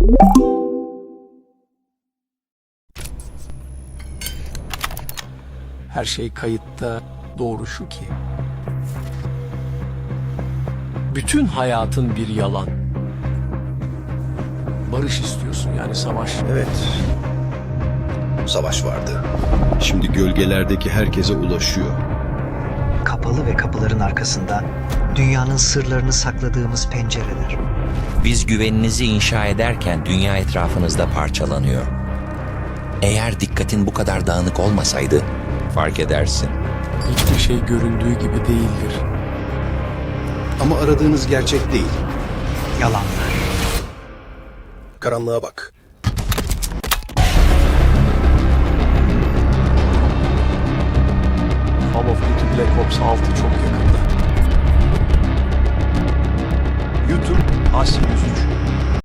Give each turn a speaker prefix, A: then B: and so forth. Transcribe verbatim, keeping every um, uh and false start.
A: Her şey kayıtta. Doğru şu ki, bütün hayatın bir yalan. Barış istiyorsun, yani savaş.
B: Evet. Savaş vardı. Şimdi gölgelerdeki herkese ulaşıyor.
C: Kapalı ve kapıların arkasında dünyanın sırlarını sakladığımız pencereler.
D: Biz güveninizi inşa ederken dünya etrafınızda parçalanıyor. Eğer dikkatin bu kadar dağınık olmasaydı fark edersin.
A: Hiçbir şey göründüğü gibi değildir.
B: Ama aradığınız gerçek değil.
C: Yalanlar.
B: Karanlığa bak.
A: Call of Duty Black Ops altı çok yakında.
E: YouTube Asim yüz üç.